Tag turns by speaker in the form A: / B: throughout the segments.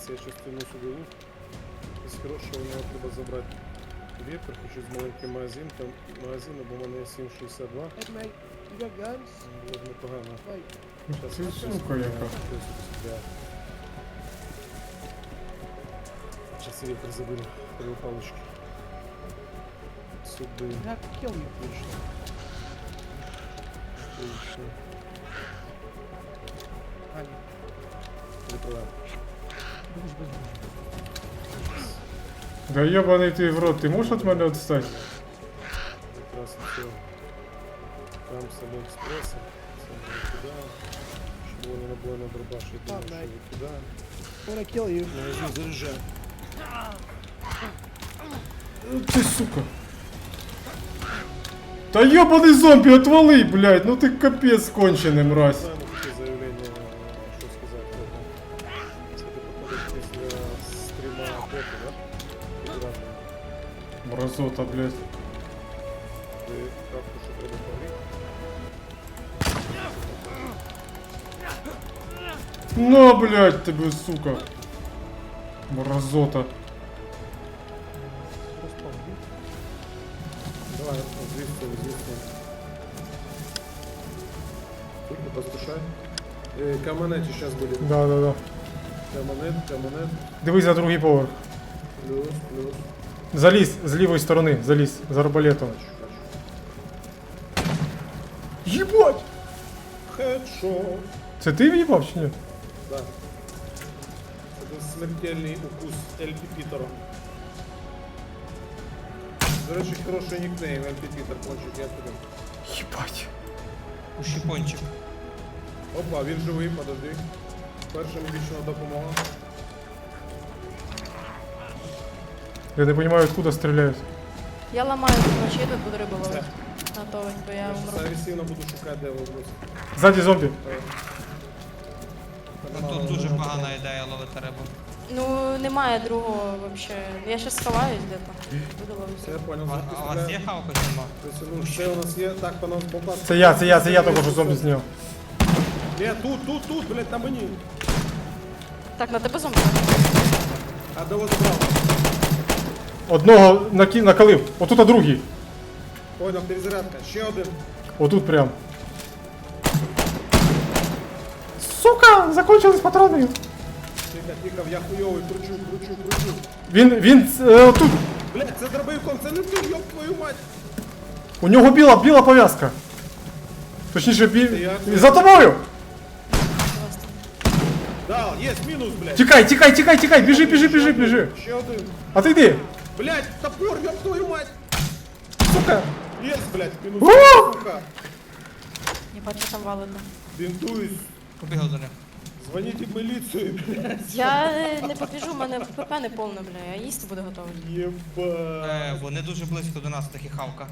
A: дивіться, я щас тяну сюди лук. Із хорошого у нього треба забрати вектор, хочу з маленьким магазин, там магазин, бо в мене є 7,62.
B: Hey mate, you got guns?
A: Було б непогано.
B: Wait,
A: Щас
C: Ти
A: щас
C: сука яка.
A: Сейчас я вектор заберу. Три палочки. Сюди.
B: I have to kill you.
A: Отлично. Отлично.
B: Аня,
A: Закриваємо.
B: бежишь.
C: Да ебаний ти в рот, ти можеш від мене відстати?
A: Якраз все. Там з Аліекспреса. Це ми викидаємо. Щоб вони не було на дробаш, я думаю, що викидаємо.
B: When I kill you,
A: Магазин заряджаємо.
C: Ти сука. Та ебаний зомбі, отвали, блядь, ну ти капець кончений, мразь.
A: Знаємо таке заявлення, що сказати. Це ти походиш після стріма боку, да? Підразу.
C: Мразота, блядь.
A: Ти капку, що треба палити.
C: На, блядь, тебе, сука. Мразота.
B: распомни.
A: Давай, звісно. Тут не поспішай. Каменеті зараз буде.
C: Да.
A: Каменет.
C: Дивись за другий поверх.
A: Плюс.
C: Залізь з лівої сторони, залізь, з арбалетом.
A: Бачу.
C: Єбать!
A: Хедшот.
C: Це ти в'їбав чи ні?
A: Да. Це смертельний укус Ельпі Пітера. До речі, хороший нікнейм Ельпі Пітер, кончик, я тобі.
C: Єбать.
D: Ущипончик.
A: Опа, він живий, подожди. Перша медична допомога.
C: Я не розумію, откуда стріляють.
E: Я ламаю ночі, тут буду рибу ловити. Готовий, бо я
A: Я
E: умру.
A: зараз агресивно буду шукати, де ви будете.
C: Ззаді зомбі.
D: Ну тут дуже погана ідея ловити рибу.
E: Ну, немає другого вообще. Я щас сховаюсь де-то. Буду
A: Все, я
E: ловити.
A: понял.
D: А у вас є хавка чи нема?
A: Ну, все у нас є. Так, по нас попас.
C: Це я тільки що зомбі зняв.
A: Ні, тут, блядь, на мені.
E: Так, на тебе зомбі.
A: А де вас забрав?
C: Одного накалив, отут а другий.
A: Понял, перезарядка. Ще один.
C: Отут прям. Сука, закончились патрони.
A: Тихо, я хуйовий, кручу.
C: Він тут.
A: Блядь, це дробовиком, це не ти, ёб твою мать.
C: У нього біла пов'язка. Точніше,
A: я-
C: за тобою.
A: Да, є, мінус, блядь.
C: Тікай, біжи.
A: Ще один.
C: А ти йди.
A: Блядь, топор, ёб твою мать.
C: Сука.
A: Є, блядь, мінус.
C: О!
A: Сука.
E: Не бачу там валено.
A: Бінтуюсь.
D: Побігав до них.
A: Дзвоніть в міліцію, блядь.
E: Я не побіжу, в мене ПП не повне, бля, я їсти буду готовий.
A: Єба.
D: Вони дуже близько до нас, такі хавка.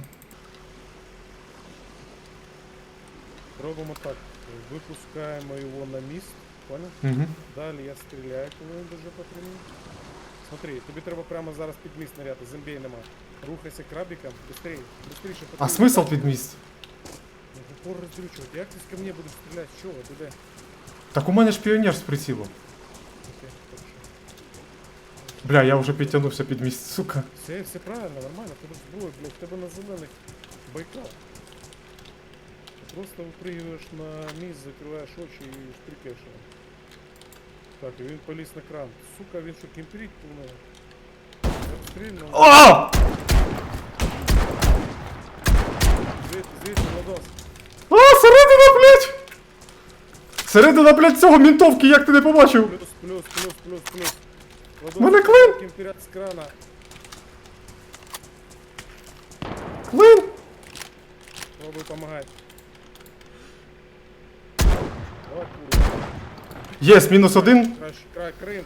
A: Робимо так. Випускаємо його на міст. Понял?
C: Угу.
A: Далі я стріляю, коли він дуже потрібен. Смотри, тобі треба прямо зараз під міст наряти, зомбей нема. Рухайся крабиком, быстріше.
C: А смисл під міст?
A: Упор роздрючувати. Як ти з ко мне будеш стріляти? З чого? Ти де?
C: Так у мене ж піонер з прицілом.
A: Окей, хорошо.
C: Бля, я вже підтягнувся під міст, сука.
A: Все правильно, нормально, в тебе зброя, блядь, в тебе на зелених байкал. Ти просто випригуєш на міст, закриваєш очі і штрикаєш його. Так, і він поліз на кран. Сука, він що, кемперить повинен? Обстрільно.
C: О!
A: Звідти, Владос.
C: А, середина, блядь! Середина, блядь, цього ментовки, як ти не побачив?
A: Плюс. Владос,
C: Мене клин!
A: кемперять з крана.
C: Клин!
A: Пробуй помагати. Давай, курва.
C: Єс, мінус один.
A: Край, Крим.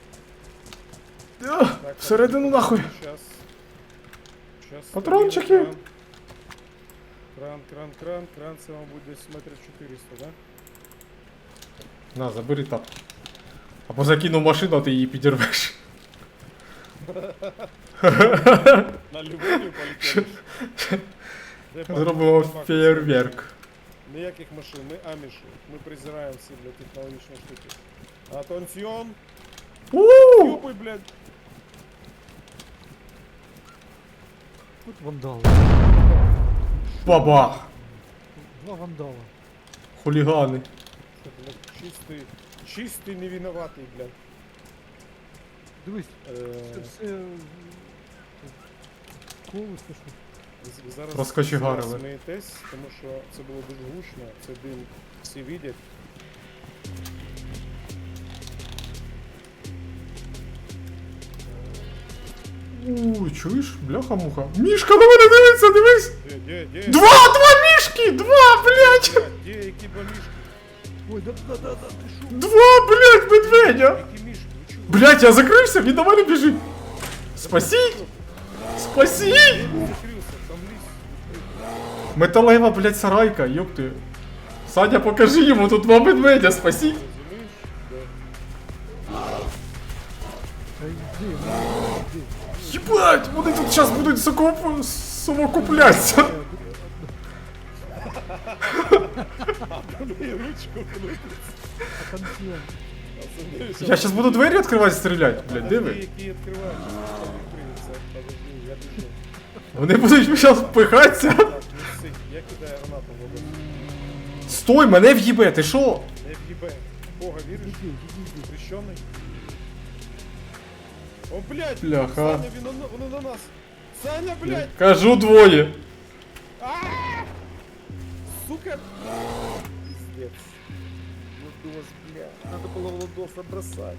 C: А, всередину нахуй.
A: Сейчас.
C: Патрончики.
A: Кран, це, мабуть, десь метрів 400, да?
C: На, забери тап. Або закинув машину, а ти її підірвеш.
A: На любові полетіли.
C: Зробимо фейерверк.
A: Ніяких машин, ми аміші. Ми презираємо всі для технологічної штуки. Атенціон!
C: У!
A: Ёбай, блядь.
B: Тут вандал.
C: Бабах!
B: Два вандала.
C: Хулігани.
A: Це, блядь, чистий невиноватий, блядь.
B: Дивись,
A: Е,
B: все колесо, що.
A: ви зараз
C: Розкочегарили.
A: смієтесь, тому що це було дуже гучно, це дим всі видять.
C: Чуєш? Бляха-муха. Мішка на мене дивиться, дивись!
A: Де?
C: Два мішки! Блядь!
A: Де, які ба мішки?
B: Ой, да, ти шо?
C: Два, блядь, медведя!
A: Які мішки? Ви чого?
C: Блядь, я закрився, він до мене біжить! Спасіть! Спасіть!
A: Закрився, там ліс.
C: Металева, блядь, сарайка, ёпти. Саня, покажи йому, тут два медведя, спасіть!
A: Розумієш? Да.
B: Та йди, йди.
C: Єбать, вони тут зараз будуть совокуплятися.
A: Блін, ручку крутить.
B: А консьєн.
C: Я зараз буду двері відкривати, стріляти, блядь, де ви?
A: Які відкривають, там відкриється. Подожди, я біжу.
C: Вони будуть зараз впихатися.
A: Так, не сик, я кидаю гранату в воду.
C: Стой, мене в'їбе, ти що?
A: Не в'їбе. Бога віриш? Хрещений? О, блядь!
C: Бляха.
A: Саня, воно на нас! Саня, блядь!
C: Кажу двоє.
A: Сука! Пиздец. Владос, блядь. Надо было Владоса бросать.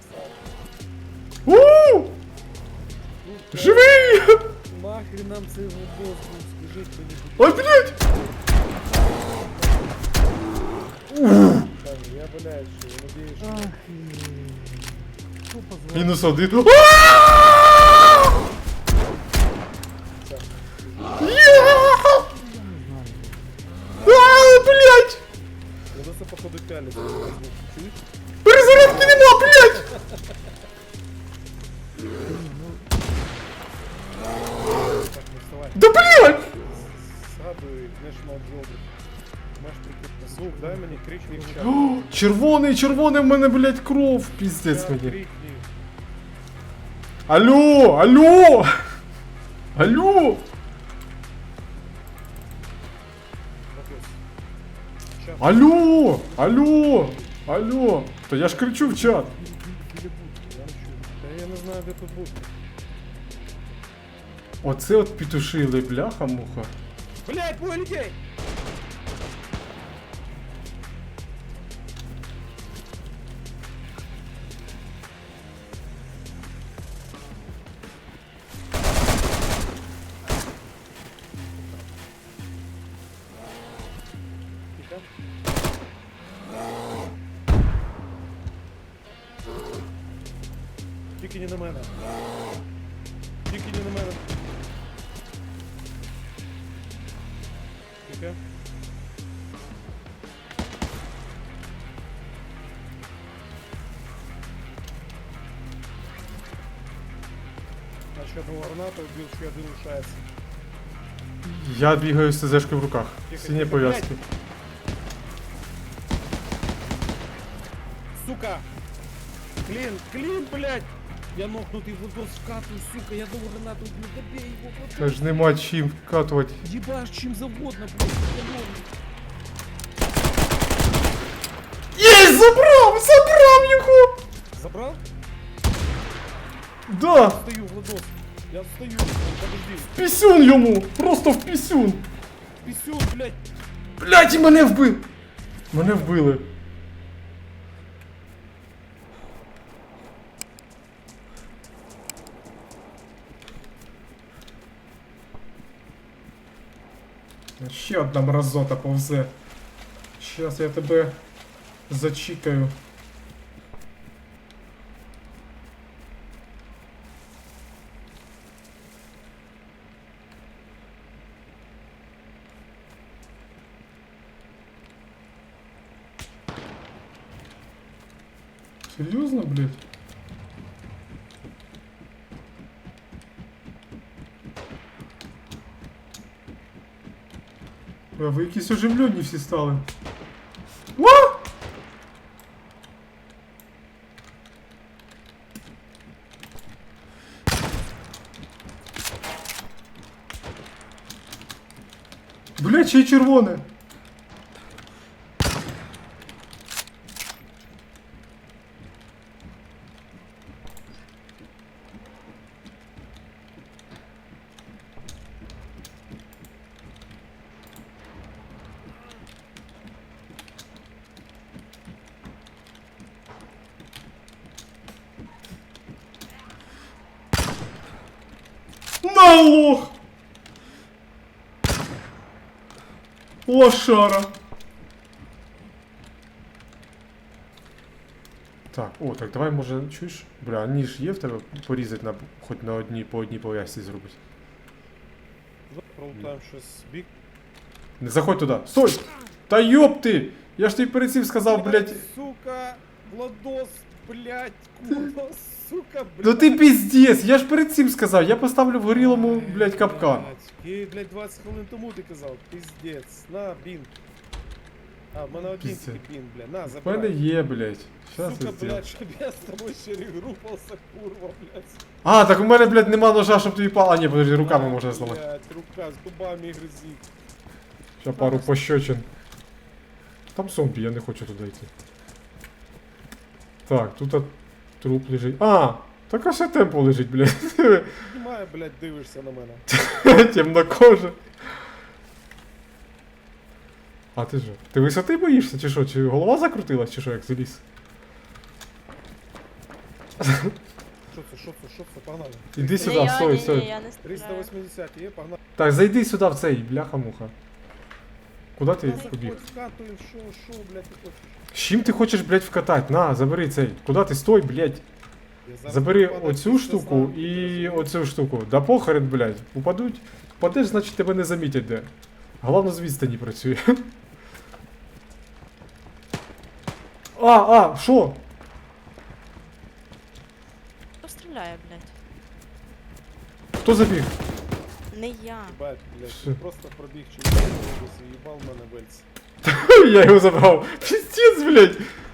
C: У! Живий!
A: Нахрен нам цей Владос був, скажи кто-нибудь.
C: Ой, блядь!
A: Саня, я, блядь, что, я надеюсь, что...
B: Ах, що позвав?
C: Мінус один. Блядь!
A: Владоса, походу, пялит. Чуешь?
C: Перезарядки нема, блядь!
A: Так, не вставай.
C: Да блядь!
A: Згадуй National Geographic. Маєш прикрити звук, дай мені крикни в чат.
C: О, червоний в мене, блядь, кров, піздець
A: Чат
C: мені.
A: крикни.
C: Алло!
A: Владос. Чат.
C: Алло! То я ж кричу в чат.
A: Я не чую. Та я не знаю, де тут бути.
C: Оце от петушили, бляха-муха.
A: Блять, двое людей! Тихо. Тільки не на мене. Тільки не на мене. Тихо. Значит, одного граната убил, что один лишается.
C: Я бігаю з ТЗшкою в руках.
A: Тихо,
C: Сині
A: тихо,
C: пов'язки.
A: Сука! Клин, блядь! Я нокнутый в воздух вкатываю, сука, я одного гранату убил, добей его, вот
C: Та ж нема чим вкатувати.
A: ебашь чем завгодно, блядь, ебаный.
C: Єсть, забрав його!
A: Забрал?
C: Да!
A: Стою, Владос. Я стою, подожди.
C: Пісюн йому! Просто в пісюн!
A: Писюн, блядь.
C: Блядь, і мене вбив! Мене вбили. Ще одна мразота повзе. Щас я тебе зачікаю. Серйозно, блядь? А ви якісь оживлені всі стали. О! Блядь, ще й червоне. На, лох! Лошара. Так, о, так давай може, чуєш? Бля, ніж є в тебе порізати на хоч на одній по одній пов'язці зробити.
A: Пролутаємо щось бік.
C: Не заходь туди. Стой! Та йоп ти! Я ж тобі перед цим сказав, блядь.
A: Сука, Владос, блядь, курва, сука, блядь.
C: Ну ти піздець, я ж перед цим сказав, я поставлю в горілому, блядь, капкан.
A: І, блядь, 20 хвилин тому ти казав, піздець, на, бін. А, в мене один
C: Піздець.
A: тільки бін, бля, на,
C: В мене
A: забирай.
C: є, блядь. Щас
A: Сука,
C: я зроблю.
A: блядь, щоб я з тобою ще регрупався, курва, блядь.
C: А, так у мене, блядь, нема ножа, щоб тобі А, ні, подожди, руками можна зламати.
A: Блядь, рука з дубами гризить.
C: Ще пару пощочин. Там зомбі, я не хочу туди йти. Так, тут труп лежить. А, так а ще темпо лежить, блядь.
A: Піднімає, блядь, дивишся на мене.
C: Темнокожа. А ти що? Ти висоти боїшся, чи що? Чи голова закрутилась, чи що, як заліз?
A: Що це, погнали.
C: Іди
E: Не
C: сюди,
E: я,
C: стой,
E: ні,
C: стой.
E: ні, я не стріляю.
A: 380 є, погнали.
C: Так, зайди сюди в цей, бляха-муха. Куди ти
A: Заходь
C: побіг?
A: в хату і що, блядь, ти хочеш?
C: З чим ти хочеш, блядь, вкатати? На, забери цей. Куди ти стой, блядь?
A: Я зараз
C: Забери
A: буду падати
C: оцю
A: під
C: штуку
A: сосна.
C: і оцю штуку. Да похорон, блядь. Упадуть. Впадеш, значить тебе не замітять де. Головне з відстані працює. Що?
E: Хто стріляє, блядь?
C: Хто забіг?
E: Не я.
A: Бать, блядь,
C: Що?
A: ти просто пробіг через область і їбав мене вельці.
C: Я його забрав. Пиздец, блядь.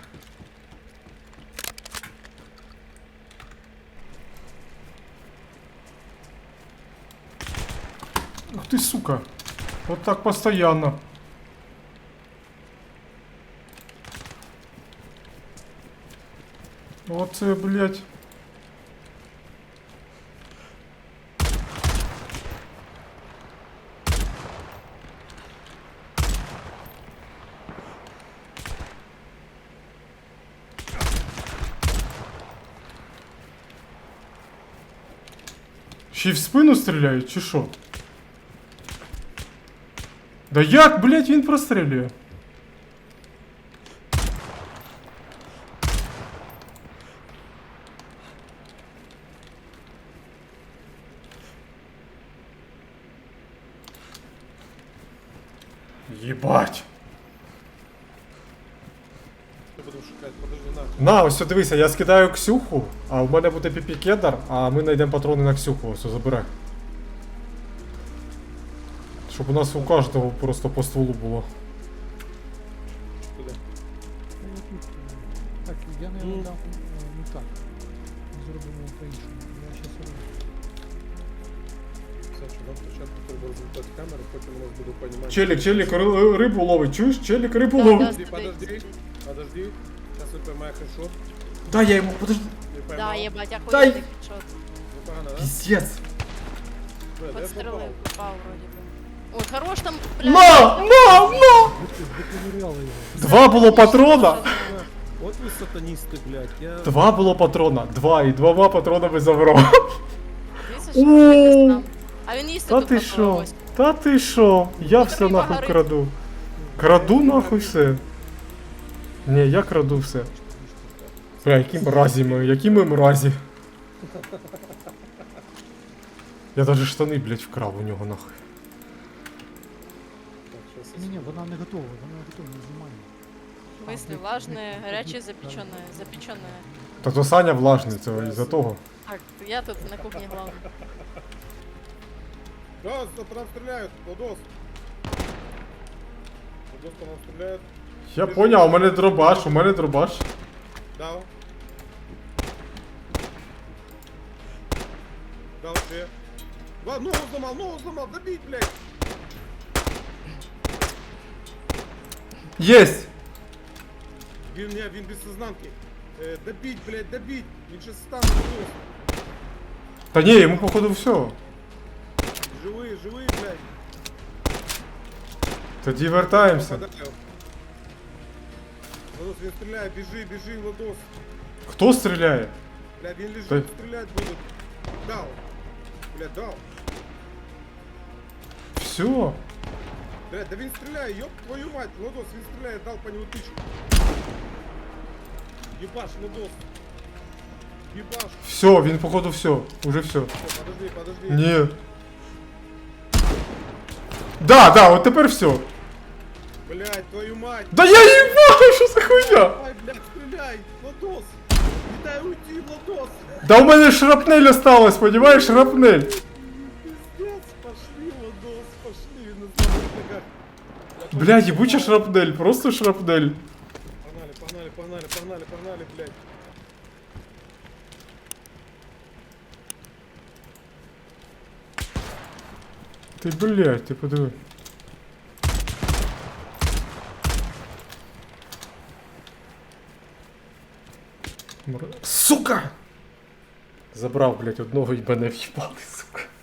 C: Ух ты, сука. Вот так постоянно. Вот це, блядь. Ще й в спину стріляють, чи що? Да як, блядь, він прострілює? Єбать.
A: Що будемо шукати, подожди, нахуй.
C: На, ось от дивися, я скидаю Ксюху, а в мене буде піпі-кедар, а ми знайдемо патрони на Ксюху, ось забирай. Щоб у нас у кожного просто по стволу було.
A: Куди?
B: Так, я не дам не так. Зробимо по-іншому. Я щас роблю.
A: Все, що нам спочатку треба результат камери, потім у нас буде понімання.
C: Челік, рибу ловить, чуєш? Челік рибу
E: Да,
C: ловить.
E: да.
A: Подожди. Зараз він поймає хедшот.
C: Дай я йому, подожди.
A: Не
E: Да,
A: поймав.
E: єбать, я
C: Дай.
E: хуй хедшот.
A: Непогано, да?
C: Піздец.
A: Бля, де
E: Подстрелив,
A: попав?
E: попав вроді би. Ой, хорош там, блядь.
C: На!
B: Доковыряли його.
C: Два було патрона.
A: От ви сатаністи, блядь, я...
C: Два було патрона. Два і двома патронами забрав.
E: Дивіться, що якось там. А він їсти
C: Та
E: тут
C: ти
E: попав,
C: шо?
E: ось.
C: Та ти шо? Я все
E: риба
C: нахуй
E: горить.
C: краду. Краду нахуй все. Ні, я краду все. Бля, які мразі ми, які ми мразі. Я даже штани, блядь, вкрав у нього нахуй.
A: Так, щас я
B: Ні, вона не готова, не знімає.
E: В смысле, влажне, гаряче, запечене, запечене.
C: Та то Саня влажний, це із-за того.
E: Так, я тут на кухні главный.
A: Газ, по нам стріляють, Владос. Владос по нам стріляють.
C: Я поняв, у мене дробаш.
A: Дав. Дав ще. Ногу зламав, добіть, блядь.
C: Єсть!
A: Він без сознанки. Добить, блядь, добить. Він ще стане просто.
C: Та ні, йому походу все.
A: Живий, блядь.
C: Тоді вертаємося.
A: Попадаю. Владос, він стріляє, біжи, Владос.
C: Хто стріляє?
A: Блядь, він лежить,
C: Та-
A: стрілять буде. Дав. Блядь, дав.
C: Все.
A: Блядь, да він стріляє, ёб твою мать. Владос, він стріляє, дал по нему тычку. Ебаш, Владос. Ебаш.
C: Все, він походу все. Уже все.
A: Все, подожди.
C: Ні. Да, от тепер все.
A: Блядь, твою мать.
C: Да я їбаю, що за хуйня?
A: Давай, блядь, стреляй, Владос. Не дай уйти, Владос.
C: Да у мене шрапнель осталась, понімаєш, шрапнель.
A: Пиздец, пошли, Владос, пошли, він на слабых ногах.
C: Бля, ебуча шрапнель, просто шрапнель.
A: Погнали, блядь.
C: Ти, блядь, ти подиви. Сука! Забрав, блядь, одного і мене в'їбали, сука.